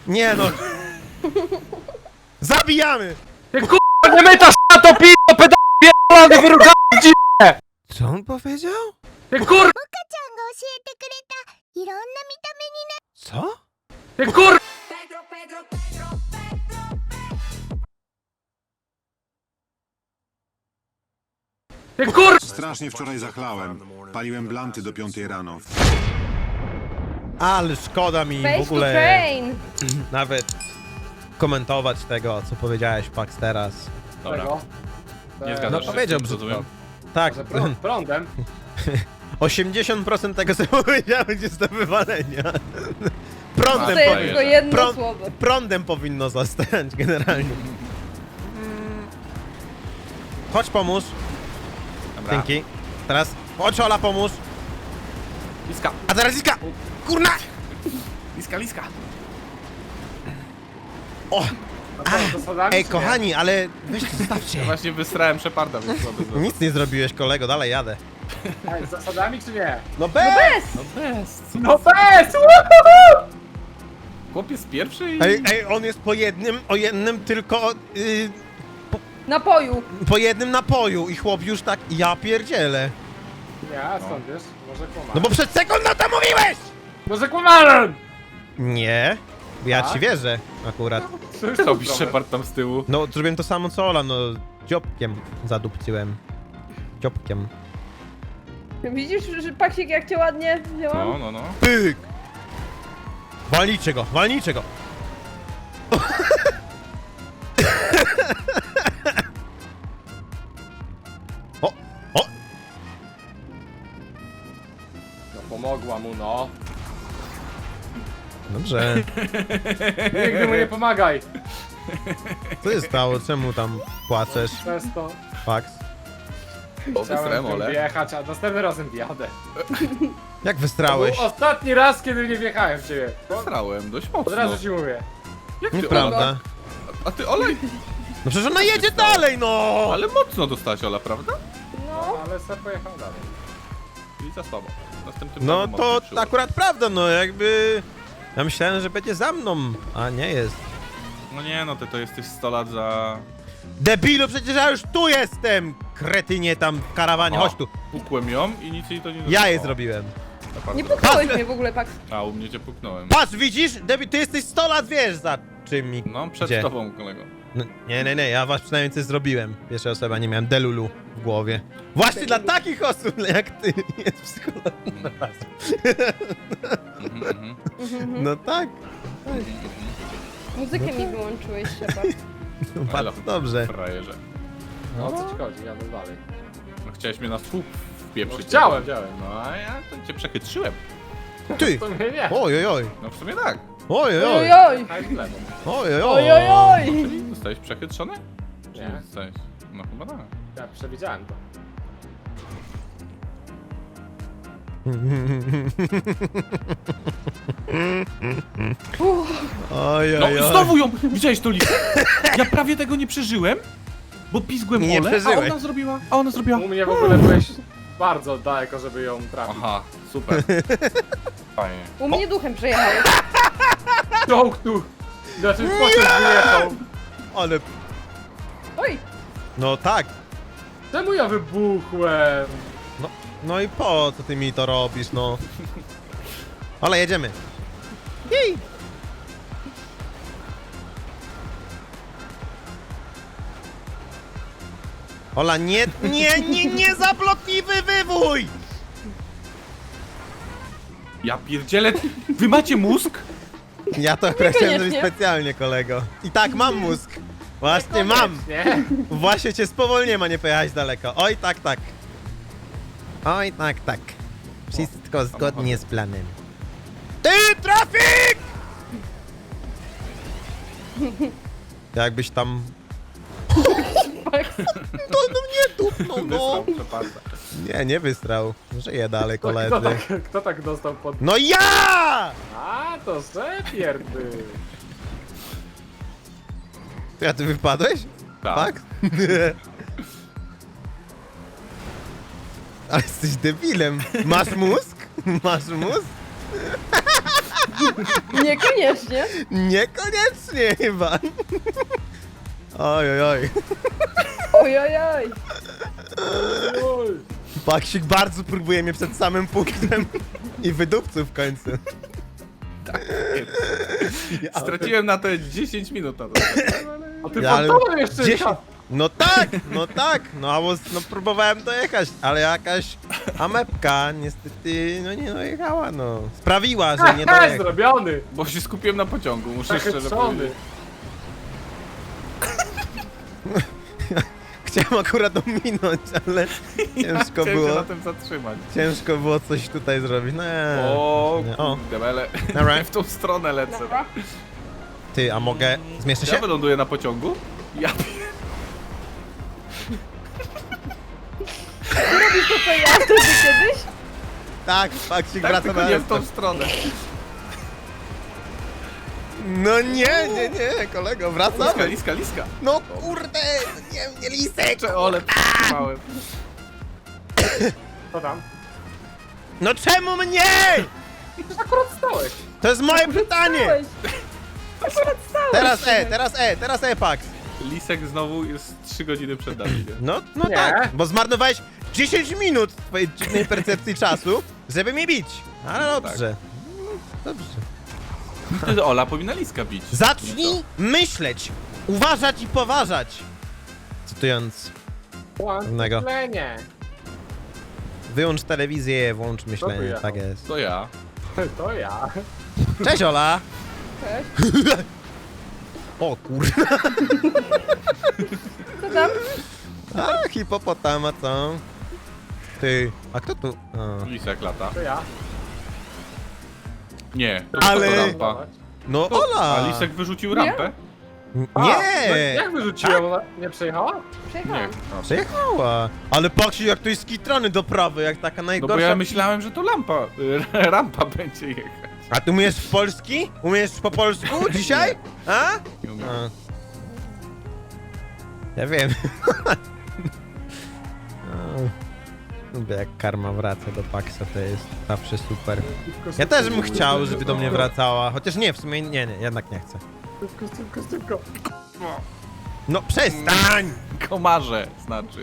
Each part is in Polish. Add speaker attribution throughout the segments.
Speaker 1: Nie no. Zabijamy!
Speaker 2: Ty kurwa nie mytasz na to p***o pedał pierdolony wyrukany w dziwę!
Speaker 1: Co on powiedział?
Speaker 2: Ty kurwa!
Speaker 3: ちゃんが教えてくれたいろんな見た目にな
Speaker 1: Co?
Speaker 2: Ty kurwa! Ty kurwa!
Speaker 4: Strasznie wczoraj zachlałem. Paliłem blanty do 5 rano.
Speaker 1: Ale szkoda mi w
Speaker 5: Face to
Speaker 1: ogóle
Speaker 5: train!
Speaker 1: nawet komentować tego, co powiedziałeś, Pax, teraz.
Speaker 2: Dobra,
Speaker 6: Tego.
Speaker 2: nie
Speaker 1: No
Speaker 2: zgadzasz się,
Speaker 1: powiedział
Speaker 2: rozumiem.
Speaker 1: brzydko. Tak,
Speaker 6: Że prądem.
Speaker 1: 80% tego, co powiedziałeś, jest do wywalenia. Prądem,
Speaker 5: To jest
Speaker 2: powiem.
Speaker 5: tylko jedno
Speaker 1: Prąd-
Speaker 5: słowo.
Speaker 1: prądem powinno zostać generalnie. Chodź pomóż.
Speaker 2: Dobra.
Speaker 1: Dzięki. Teraz chodź Ola pomóż.
Speaker 2: Liska,
Speaker 1: A teraz Iska! Kurna!
Speaker 2: liska.
Speaker 1: O!
Speaker 6: A co, to sodami,
Speaker 1: Ej
Speaker 6: czy nie?
Speaker 1: kochani, ale weźcie zostawcie.
Speaker 2: Ja właśnie wystrałem Sheparda, więc to by
Speaker 1: Nic nie zrobiłeś kolego, dalej jadę.
Speaker 6: Ej, z zasadami czy nie?
Speaker 1: No bez!
Speaker 2: No bez!
Speaker 6: No bez! Woohoo!
Speaker 2: Chłopiec pierwszy i...
Speaker 1: Ej, on jest o jednym tylko,
Speaker 5: Napoju.
Speaker 1: po jednym napoju i chłop już tak, ja pierdzielę.
Speaker 6: Nie, a skąd wiesz? Może kłamałem.
Speaker 1: No bo przed sekundą to mówiłeś!
Speaker 6: Może kłamałem!
Speaker 1: Nie, ja
Speaker 6: Tak?
Speaker 1: ci wierzę akurat.
Speaker 2: Co robisz Shepard tam z tyłu?
Speaker 1: No zrobiłem to samo co Ola, no dziobkiem zadupcyłem. Dziobkiem.
Speaker 5: Widzisz, że Paksik jak cię ładnie wzięłam?
Speaker 2: No.
Speaker 1: Pyk! Walnijcie go, walnijcie go! O! O!
Speaker 6: No pomogła mu, no.
Speaker 1: Dobrze.
Speaker 6: Nigdy mu nie pomagaj.
Speaker 1: Co się stało? Czemu tam płaczesz?
Speaker 6: Przez to
Speaker 1: Fax?
Speaker 2: O, wystrałem
Speaker 6: chciałem tym
Speaker 2: Ole.
Speaker 6: wjechać, a następnym razem wjadę.
Speaker 1: Jak
Speaker 6: To
Speaker 1: wystrałeś?
Speaker 6: był ostatni raz, kiedy nie wjechałem w ciebie.
Speaker 2: Wystrałem, dość mocno.
Speaker 6: Od razu ci mówię.
Speaker 2: Jak ty, Ola?
Speaker 1: Nieprawda.
Speaker 2: A ty Ola?
Speaker 1: No przecież ona jedzie dalej, no!
Speaker 2: Ale mocno dostałaś Ola, prawda?
Speaker 5: No.
Speaker 6: Ale ser pojechał dalej.
Speaker 2: I za słabo. Następnym
Speaker 1: No
Speaker 2: razem
Speaker 1: to
Speaker 2: mocniej
Speaker 1: akurat prawda, no jakby... Ja myślałem, że będzie za mną, a nie jest.
Speaker 2: No nie no, ty to jesteś 100 lat za...
Speaker 1: Debilu, przecież ja już tu jestem! Kretynie tam w karawanie,
Speaker 2: O.
Speaker 1: chodź tu.
Speaker 2: Pukłem ją i nic jej to nie
Speaker 1: Ja je
Speaker 2: O,
Speaker 1: zrobiłem.
Speaker 2: Shepard
Speaker 5: Nie
Speaker 2: zrobił.
Speaker 5: pukałeś mnie w ogóle, Paks.
Speaker 2: A, u mnie cię puknąłem.
Speaker 1: Patrz, widzisz? Debil, ty jesteś 100 lat, wiesz za czym mi...
Speaker 2: No, przed
Speaker 1: Gdzie?
Speaker 2: tobą, kolego.
Speaker 1: No, nie, ja was przynajmniej coś zrobiłem. Pierwsza osoba, nie miałem delulu w głowie. Właśnie dla takich osób jak ty jest psycholog. No tak,
Speaker 5: Muzykę mi wyłączyłeś, Shepard.
Speaker 1: no
Speaker 2: Elo.
Speaker 1: bardzo dobrze.
Speaker 2: Frajerze.
Speaker 6: No o co ci chodzi? Jadę dalej.
Speaker 2: No, chciałeś mnie na słup wpieprzyć.
Speaker 6: No, chciałem.
Speaker 2: No, a ja to cię przechytrzyłem.
Speaker 1: Ty!
Speaker 6: To mnie nie.
Speaker 1: Oj.
Speaker 2: No w sumie tak.
Speaker 1: Oj.
Speaker 5: Ojoj!
Speaker 6: Haj w lewo.
Speaker 5: Ojojoj!
Speaker 2: Czyli zostałeś przechytrzony? Czy
Speaker 6: Nie.
Speaker 2: zostałeś? No chyba tak.
Speaker 6: Ja przewidziałem to.
Speaker 1: Oj.
Speaker 2: No znowu ją! Widziałeś to listę? Ja prawie tego nie przeżyłem, bo pizgłem
Speaker 1: Nie
Speaker 2: Olę,
Speaker 1: przeżyłeś.
Speaker 2: a ona zrobiła.
Speaker 6: U mnie w ogóle byłeś bardzo daleko, żeby ją trafić.
Speaker 2: Aha, super. Fajnie.
Speaker 5: U mnie duchem przejechałeś.
Speaker 6: Czołg tu! Znaczy pociąg wyjechał.
Speaker 1: Ale...
Speaker 5: Oj!
Speaker 1: No tak.
Speaker 6: Czemu ja wybuchłem?
Speaker 1: No i po co ty mi to robisz, no? Ale jedziemy. Jej! Ola, nie zablokliwy wywój!
Speaker 2: Ja pierdzielę, wy macie mózg?
Speaker 1: Ja to akurat chciałem zrobić
Speaker 5: Niekoniecznie.
Speaker 1: specjalnie, kolego. I tak, mam mózg. Właśnie mam.
Speaker 6: Nie?
Speaker 1: Właśnie cię spowolniłem, a nie pojechałeś daleko. Oj, tak. Oj, tak. Wszystko zgodnie z planem. Ty, trafik! Jakbyś tam... No nie dupnął, no.
Speaker 2: Wysłał Sheparda.
Speaker 1: Nie wystrał. Żyje dalej,
Speaker 6: Kto
Speaker 1: koledzy.
Speaker 6: kto tak dostał pod...
Speaker 1: No ja!
Speaker 6: A, to Shepier był.
Speaker 1: Ja, ty wypadłeś? Tak? Ale jesteś debilem. Masz mózg? Masz mózg?
Speaker 5: Niekoniecznie.
Speaker 1: Niekoniecznie chyba. Oj, oj, oj.
Speaker 5: Ojojoj.
Speaker 1: Paksik bardzo próbuje mnie przed samym punktem i wydupcył w końcu.
Speaker 2: Straciłem na to 10 minut na to.
Speaker 6: A ty
Speaker 1: Ja, ale
Speaker 6: fantomem jeszcze
Speaker 1: 10. No tak, no próbowałem dojechać, ale jakaś amepka niestety, no nie dojechała, no. Sprawiła, że nie dojechała.
Speaker 6: zrobiony.
Speaker 2: Bo się skupiłem na pociągu, muszę
Speaker 6: Taki
Speaker 2: szczerze
Speaker 6: trzony.
Speaker 2: powiedzieć.
Speaker 1: Chciałem akurat ominąć, ale ciężko
Speaker 2: Chciałem się
Speaker 1: było.
Speaker 2: na tym zatrzymać.
Speaker 1: Ciężko było coś tutaj zrobić. No,
Speaker 2: O,
Speaker 1: nie. O,
Speaker 2: kurde, ale
Speaker 1: Dobra.
Speaker 2: w tą stronę lecę.
Speaker 5: Dobra.
Speaker 1: ty, a mogę... Zmieszczę
Speaker 2: Ja
Speaker 1: się?
Speaker 2: wyląduję na pociągu? Ja
Speaker 5: Robisz to, co ja wtedy kiedyś?
Speaker 1: Tak, Paksik
Speaker 2: tak,
Speaker 1: wraca
Speaker 2: tylko
Speaker 1: na
Speaker 2: nie w tą
Speaker 1: restart.
Speaker 2: stronę.
Speaker 1: No nie, kolego, wracamy.
Speaker 2: Liska.
Speaker 1: No kurde, nie lisek.
Speaker 2: Ole, przytrzymałem.
Speaker 6: Co tam?
Speaker 1: No czemu mnie?
Speaker 6: Akurat stałeś.
Speaker 1: To jest moje pytanie.
Speaker 5: Stałeś. Akurat stałeś.
Speaker 1: Teraz Pax.
Speaker 2: Lisek znowu jest 3 godziny przed nami. nie?
Speaker 1: No
Speaker 6: Nie.
Speaker 1: tak, bo zmarnowałeś 10 minut twojej dziwnej percepcji czasu, żeby mnie bić. Ale dobrze. Dobrze.
Speaker 2: Wtedy Ola powinna Liska bić.
Speaker 1: Zacznij myśleć, uważać i poważać. Cytując, Pewnego.
Speaker 6: Myślenie.
Speaker 1: wyłącz telewizję, włącz myślenie,
Speaker 6: wyjechał?
Speaker 1: tak jest.
Speaker 2: To ja.
Speaker 6: To ja.
Speaker 1: Cześć Ola!
Speaker 5: Cześć.
Speaker 1: O kurde,
Speaker 5: Co tam?
Speaker 1: a hipopotama co? Ty, a kto tu? A.
Speaker 2: Lisek lata.
Speaker 6: To ja.
Speaker 2: Nie.
Speaker 1: Ale-
Speaker 2: To rampa.
Speaker 1: No Ola!
Speaker 2: A Lisek wyrzucił rampę?
Speaker 6: A,
Speaker 1: Nie!
Speaker 6: no jak wyrzuciłem? Ona nie przejechała?
Speaker 2: Nie.
Speaker 5: Przejechałam.
Speaker 2: No.
Speaker 1: Przejechała! Ale Paksi jak to jest skitrany do prawej, jak taka
Speaker 2: No
Speaker 1: najgorsza...
Speaker 2: bo ja myślałem, że to rampa będzie jechać.
Speaker 1: A ty umiesz w polski? Umiesz po polsku dzisiaj? A?
Speaker 2: Nie umiem.
Speaker 1: A. Ja wiem. Lubię jak karma wraca do Paxa, to jest zawsze super. Ja też bym chciał, żeby do mnie wracała, chociaż nie, w sumie nie, jednak nie chcę.
Speaker 6: Szybko.
Speaker 1: No przestań!
Speaker 2: Komarze znaczy.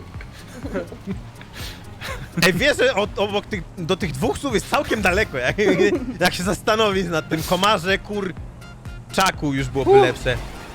Speaker 1: Ej, wiesz, że obok do tych dwóch słów jest całkiem daleko, jak się zastanowić nad tym komarze, czaku już byłoby lepsze.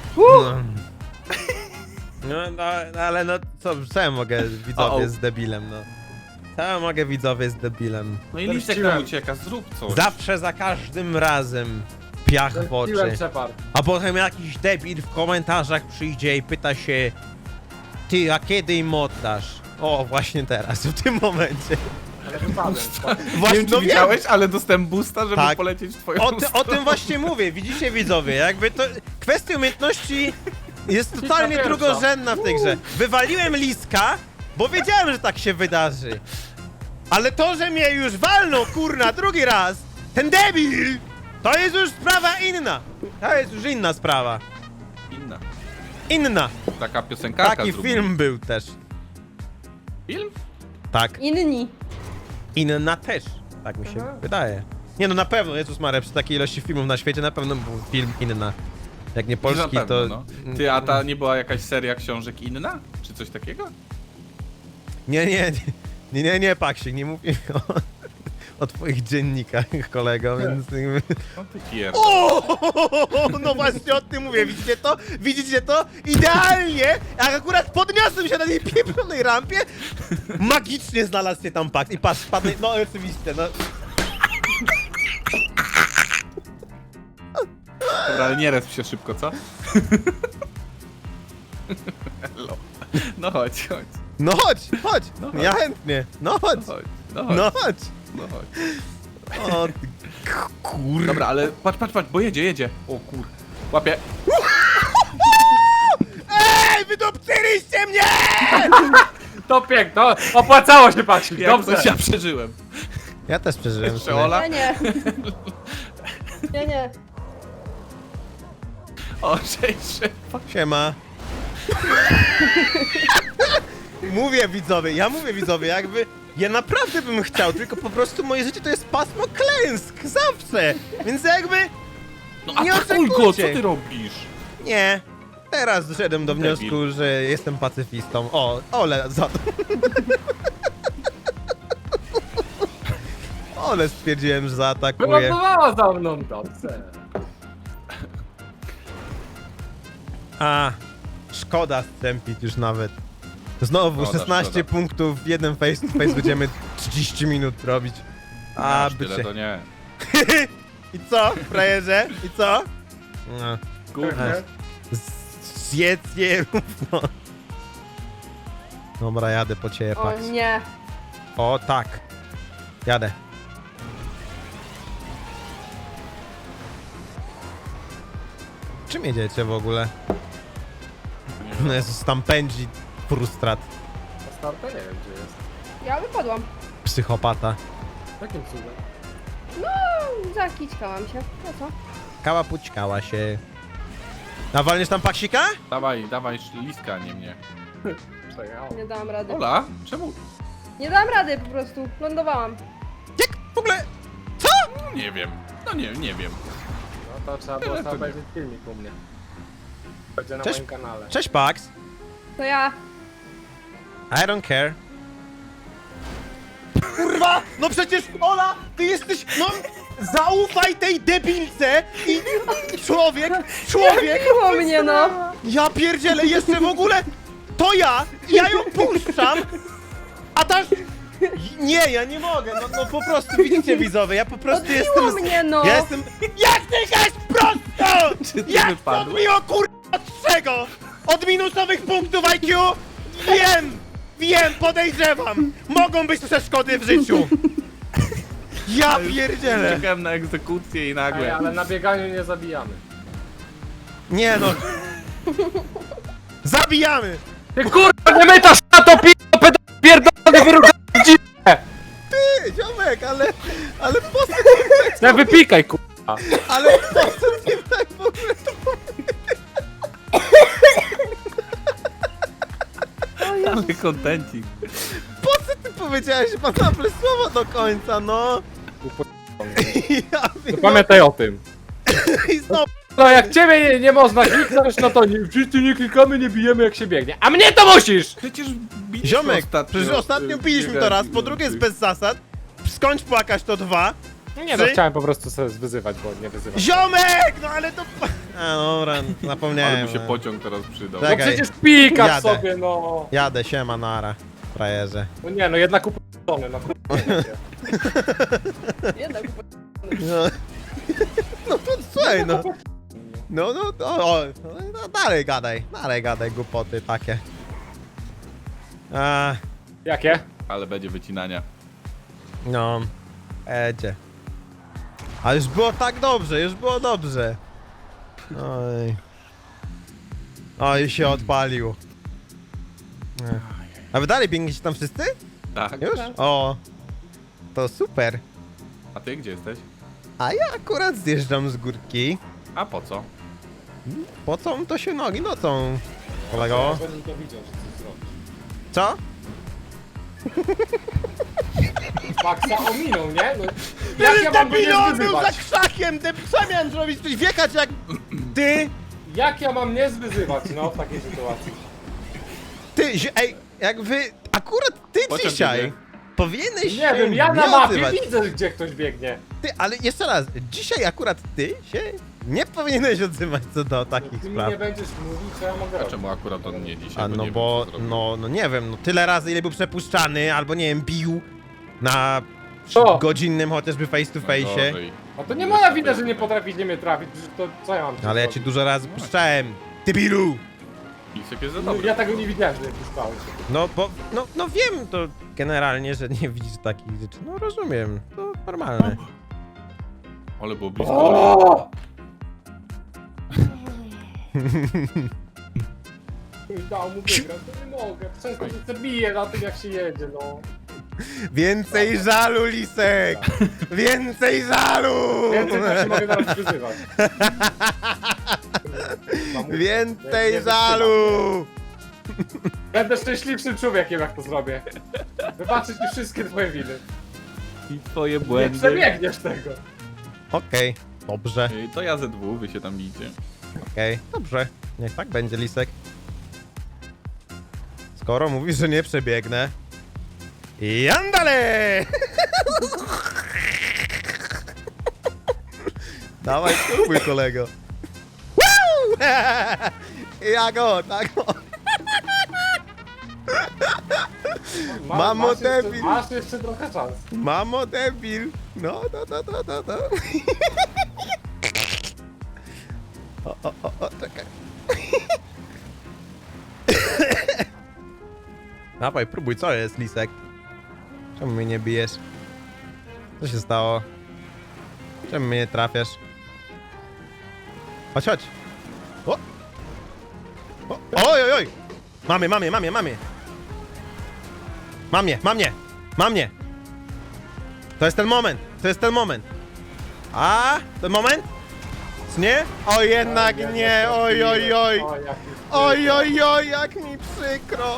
Speaker 1: No, ale no, co ja mogę widzowie z debilem, no. Co ja mogę widzowie z debilem?
Speaker 2: No i Lisek
Speaker 6: Zemściłem.
Speaker 2: nam ucieka, zrób coś.
Speaker 1: Zawsze, za każdym razem piach w oczy.
Speaker 6: Piłem Shepard.
Speaker 1: A potem jakiś debil w komentarzach przyjdzie i pyta się: ty, a kiedy im oddasz? O, właśnie teraz, w tym momencie.
Speaker 6: Ale wypadłem.
Speaker 2: Nie
Speaker 1: Właśnie,
Speaker 2: wiem, czy
Speaker 1: no wiem.
Speaker 2: widziałeś, ale dostałem boosta, żeby
Speaker 1: Tak.
Speaker 2: polecieć w twoją
Speaker 1: O
Speaker 2: stronę.
Speaker 1: tym właśnie mówię, widzicie widzowie, jakby to... Kwestia umiejętności jest totalnie
Speaker 6: pierwsza.
Speaker 1: drugorzędna w tej grze. Wywaliłem Liska, bo wiedziałem, że tak się wydarzy. Ale to, że mnie już walnął, kurna, drugi raz, ten debil, to jest już sprawa inna. To jest już inna sprawa.
Speaker 2: Inna.
Speaker 1: Inna.
Speaker 2: Taka piosenkarka
Speaker 1: Taki
Speaker 2: zrobiła.
Speaker 1: film był też.
Speaker 2: Film?
Speaker 1: Tak.
Speaker 5: Inni.
Speaker 1: Inna też. Tak mi się wydaje. Nie no, na pewno, Jezus Maria, przy takiej ilości filmów na świecie na pewno był film Inna. Jak nie polski,
Speaker 2: Na pewno,
Speaker 1: to...
Speaker 2: no. Ty, a ta nie była jakaś seria książek Inna? Czy coś takiego?
Speaker 1: Nie, Paksik, nie mówię o twoich dziennikach, kolego, więc...
Speaker 2: No ty pierd...
Speaker 1: O, no właśnie o tym mówię, widzicie to? Widzicie to? Idealnie, jak akurat podniosłem się na tej pieprzonej rampie, magicznie znalazł się tam Paks i patrz, spadł, no oczywiście, no...
Speaker 2: Dobra, ale nie resp się szybko, co? Hello. No chodź.
Speaker 1: No chodź,
Speaker 2: No
Speaker 1: ja
Speaker 2: chodź.
Speaker 1: chętnie, no chodź,
Speaker 2: Chodź.
Speaker 1: no chodź.
Speaker 2: No chodź.
Speaker 1: O, ty kur...
Speaker 2: Dobra, ale patrz, bo jedzie. O kur... Łapie.
Speaker 1: Ej, wydupcyliście mnie!
Speaker 6: To piękno. Opłacało się, Paksik.
Speaker 2: Jak
Speaker 6: Dobrze.
Speaker 2: coś ja przeżyłem.
Speaker 1: Ja też przeżyłem.
Speaker 2: Jeszcze Ola?
Speaker 5: Ja nie. Ja nie.
Speaker 2: O, cześć.
Speaker 1: Siema. Mówię widzowie, jakby Ja naprawdę bym chciał, tylko po prostu moje życie to jest pasmo klęsk, zawsze! Więc jakby...
Speaker 2: No a
Speaker 1: Nie
Speaker 2: Kulko, co
Speaker 1: oczekujcie.
Speaker 2: ty robisz?
Speaker 1: Nie. Teraz doszedłem do
Speaker 2: Debil.
Speaker 1: wniosku, że jestem pacyfistą. O, ole za to. Ole stwierdziłem, że zaatakuję.
Speaker 6: Wylądowała za mną, dobrze.
Speaker 1: A, szkoda strzępić już nawet. Znowu
Speaker 2: Szkoda,
Speaker 1: 16
Speaker 2: szkoda.
Speaker 1: punktów, jeden face to face będziemy 30 minut robić. A,
Speaker 2: Aż tyle
Speaker 1: bycie.
Speaker 2: to nie.
Speaker 1: I co, frajerze? I co? No.
Speaker 2: Kurde.
Speaker 1: Zjedz je równo. Dobra, jadę po ciebie,
Speaker 5: O
Speaker 1: Pax.
Speaker 5: nie.
Speaker 1: O, tak. Jadę. Czym jedziecie w ogóle? No Jezus, tam pędzi frustrat.
Speaker 6: Na starta nie wiem gdzie jest.
Speaker 5: Ja wypadłam.
Speaker 1: Psychopata.
Speaker 6: Jakim cudem?
Speaker 5: No, zakićkałam się. No co?
Speaker 1: Kała pućkała się. Nawalniesz tam Paksika?
Speaker 2: Dawaj, liska, nie mnie.
Speaker 6: Przejechał.
Speaker 5: Nie dałam rady.
Speaker 2: Ola, czemu?
Speaker 5: Nie dałam rady po prostu. Lądowałam.
Speaker 1: Jak w ogóle?
Speaker 2: No, nie wiem. No nie wiem.
Speaker 6: No to trzeba było sobie obejrzeć filmik u mnie. Będzie na
Speaker 1: Cześć.
Speaker 6: moim kanale.
Speaker 1: Cześć, Pax.
Speaker 5: To ja.
Speaker 1: I don't care. Kurwa! No przecież, Ola, ty jesteś, no... Zaufaj tej debilce i człowiek,
Speaker 5: Miło mnie, no.
Speaker 1: ja pierdzielę, jeszcze w ogóle to ja ją puszczam, a ta... Nie, ja nie mogę, no po prostu, widzicie widzowie, ja po prostu
Speaker 5: Odbiło
Speaker 1: jestem...
Speaker 5: mnie, no.
Speaker 1: Ja jestem... Jak ty jesteś prosto!
Speaker 2: Czy ty
Speaker 1: Jak to
Speaker 2: wypadłeś?
Speaker 1: odbiło, kurwa, od czego? Od minusowych punktów IQ? Wiem, podejrzewam. Mogą być przeszkody w życiu. Ja pierdzielę.
Speaker 2: Czekałem na egzekucję i
Speaker 6: Ej,
Speaker 2: nagle.
Speaker 6: ale na bieganiu nie zabijamy.
Speaker 1: Nie no. Zabijamy.
Speaker 6: Ty kurwa nie mytasz na to p***o pierdolony wyrugany
Speaker 1: Ty, ziomek, ale po co,
Speaker 6: Nie wypikaj kurwa.
Speaker 1: ale po co ty tak w ogóle to...
Speaker 2: Ale kontencik.
Speaker 1: Po co ty powiedziałeś banable słowo do końca, no? Ja
Speaker 6: Pamiętaj o tym.
Speaker 1: i znowu...
Speaker 6: No jak ciebie nie można kliknąć, no to nie, wszyscy nie klikamy, nie bijemy jak się biegnie. A mnie to musisz!
Speaker 2: Przecież biliśmy
Speaker 1: Ziomek,
Speaker 2: ostatnio,
Speaker 1: przecież ostatnio piliśmy to raz, po drugie jest bez zasad. Skończ płakać to 2.
Speaker 6: Nie no, chciałem po prostu sobie wyzywać, bo nie wyzywać.
Speaker 1: Ziomek! No ale to... A dobra, zapomniałem.
Speaker 2: Ale mu się
Speaker 1: no.
Speaker 2: pociąg teraz przydał.
Speaker 6: No
Speaker 1: Czekaj.
Speaker 6: przecież pikasz
Speaker 1: Jadę.
Speaker 6: sobie, no.
Speaker 1: Jadę, siema, nara, frajerze.
Speaker 6: No nie no, jednak upłacony, no kurwa.
Speaker 5: Jednak.
Speaker 1: No, no to słuchaj, no. No, dalej gadaj głupoty takie. A,
Speaker 6: Jakie?
Speaker 2: Ale będzie wycinania.
Speaker 1: no, edzie. A już było tak dobrze, już było dobrze. Oj. Oj, się odpalił. Ech. A wy dalej biegniecie tam wszyscy?
Speaker 2: Tak.
Speaker 1: Już? O, to super.
Speaker 2: A ty gdzie jesteś?
Speaker 1: A ja akurat zjeżdżam z górki.
Speaker 2: A po co?
Speaker 1: Po co to się nogi nocą, kolego? Co?
Speaker 6: Paksa ominął, nie? No, jak ja mam go nie
Speaker 1: był za
Speaker 6: zwyzywać?
Speaker 1: krzakiem, co miałem zrobić? Coś wiekać jak ty,
Speaker 6: Jak ja mam nie zwyzywać, no, w takiej sytuacji?
Speaker 1: ej, jak wy, akurat ty
Speaker 2: Po czym
Speaker 1: dzisiaj
Speaker 2: biegnie?
Speaker 1: powinieneś
Speaker 6: Nie
Speaker 1: się
Speaker 6: wiem, ja na
Speaker 1: nie
Speaker 6: mapie
Speaker 1: odzywać.
Speaker 6: widzę, gdzie ktoś biegnie.
Speaker 1: Ty, ale jeszcze raz, dzisiaj akurat ty się nie powinieneś odzywać co do takich
Speaker 6: Ty mi
Speaker 1: spraw.
Speaker 6: nie będziesz mówił, co ja mogę
Speaker 2: A
Speaker 6: robić.
Speaker 2: czemu akurat on nie dzisiaj?
Speaker 1: A
Speaker 2: Bo
Speaker 1: no
Speaker 2: nie
Speaker 1: bo,
Speaker 2: wiem, co zrobił.
Speaker 1: no nie wiem, no tyle razy ile był przepuszczany, albo nie wiem, bił na
Speaker 6: Co?
Speaker 1: godzinnym chociażby face to face.
Speaker 2: Gorzej.
Speaker 6: A to nie moja wina, że nie potraficie mnie trafić, że to co ja mam
Speaker 1: Ale ja ci dużo razy puszczałem. Ty bilu!
Speaker 2: Lisek jest za
Speaker 6: No,
Speaker 2: dobry.
Speaker 6: ja tego nie widziałem, że nie puszczałeś.
Speaker 1: No bo, no wiem to generalnie, że nie widzisz takich rzeczy. No rozumiem, to normalne.
Speaker 2: Ale było blisko.
Speaker 6: O! Dał mu wygrać, to nie mogę. Często się zabiję na tym, jak się jedzie, no.
Speaker 1: Więcej żalu, Lisek! Więcej żalu!
Speaker 6: Więcej tak się mogę zaraz wyzywać.
Speaker 1: Więcej żalu!
Speaker 6: Będę szczęśliwszym człowiekiem, jak to zrobię. Wybaczyć mi wszystkie twoje winy.
Speaker 7: I twoje
Speaker 6: Nie
Speaker 7: błędy.
Speaker 6: przebiegniesz tego.
Speaker 1: Okej, dobrze,
Speaker 7: To ja ze dwóch, wy się tam bijcie.
Speaker 1: okej, dobrze. Niech tak będzie, Lisek. Skoro mówisz, że nie przebiegnę. Jandale! Dawaj, spróbuj, kolego. Woo! Ja go, tak go. Mamo,
Speaker 6: masz jeszcze-
Speaker 1: debil.
Speaker 6: Masz jeszcze trochę czas.
Speaker 1: Mamo, debil. No. O, czekaj. Dawaj, próbuj, co jest, Lisek? Czemu mnie nie bijesz? Co się stało? Czemu mnie nie trafiasz? Chodź. O! Oj! Mamy. Mam mnie. To jest ten moment. A, ten moment? Nie? O, jednak nie, oj. Oj, jak mi przykro.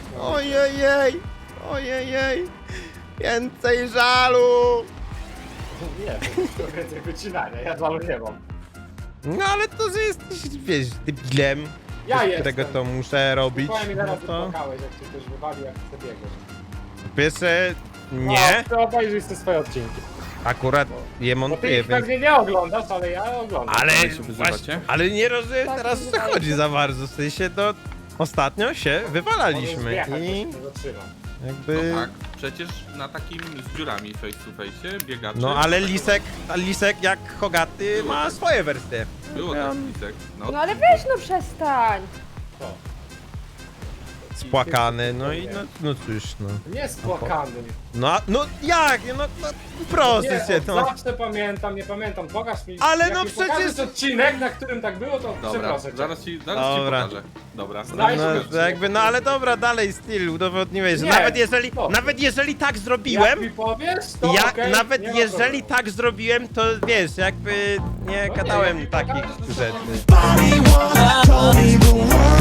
Speaker 1: Ojej. Więcej żalu.
Speaker 6: Nie, to więcej wycinania, ja żalu nie mam.
Speaker 1: No ale to, że jesteś, wiesz, debilem,
Speaker 6: Ja
Speaker 1: z
Speaker 6: jestem.
Speaker 1: którego to muszę robić,
Speaker 6: Powiem mi
Speaker 1: no
Speaker 6: teraz
Speaker 1: to...
Speaker 6: wypłakałeś, jak cię ktoś wywalił, jak ty biegłeś.
Speaker 1: Pierwsze, nie,
Speaker 6: No, to obejrzyj te swoje odcinki.
Speaker 1: akurat je
Speaker 6: Bo ty
Speaker 1: montuję,
Speaker 6: ich
Speaker 1: więc...
Speaker 6: pewnie nie oglądasz, ale ja oglądam.
Speaker 1: Ale,
Speaker 7: się wyzywacie?
Speaker 1: właśnie, ale nie rozumiem
Speaker 5: Tak,
Speaker 1: teraz, o co
Speaker 5: wyzywacie.
Speaker 1: chodzi za bardzo, w sensie to... Ostatnio się wywalaliśmy
Speaker 6: Możesz wjechać,
Speaker 1: i
Speaker 6: to się nie zatrzyma.
Speaker 1: jakby...
Speaker 8: No tak, przecież na takim z dziurami face to face biegacze.
Speaker 1: No ale Lisek jak Hogaty ma swoje wersje.
Speaker 8: Było tak, Lisek.
Speaker 5: No ale weź no przestań.
Speaker 1: Spłakany, no i no cóż, no.
Speaker 6: Nie spłakany.
Speaker 1: No jak, no proszę
Speaker 6: Nie,
Speaker 1: cię,
Speaker 6: od
Speaker 1: no.
Speaker 6: zawsze pamiętam, nie pamiętam. Pokaż mi.
Speaker 1: Ale
Speaker 6: jak
Speaker 1: no
Speaker 6: mi
Speaker 1: przecież-
Speaker 6: pokażesz odcinek, na którym tak było, to
Speaker 8: Dobra,
Speaker 6: przeproszę cię.
Speaker 8: zaraz ci
Speaker 1: Dobra.
Speaker 8: pokażę. Dobra.
Speaker 6: Daj
Speaker 1: No,
Speaker 6: sobie
Speaker 1: to jakby, no ale dobra, dalej styl, udowodniłeś, że
Speaker 6: Nie,
Speaker 1: nawet jeżeli tak
Speaker 6: Jak
Speaker 1: zrobiłem,
Speaker 6: mi powiesz, to
Speaker 1: ja
Speaker 6: okej,
Speaker 1: nawet
Speaker 6: nie ma
Speaker 1: jeżeli
Speaker 6: problemu.
Speaker 1: tak zrobiłem, to wiesz, jakby nie
Speaker 6: No
Speaker 1: gadałem
Speaker 6: jak mi
Speaker 1: takich
Speaker 6: pokażesz, to
Speaker 1: rzeczy.
Speaker 6: zobaczysz.
Speaker 9: Told me the one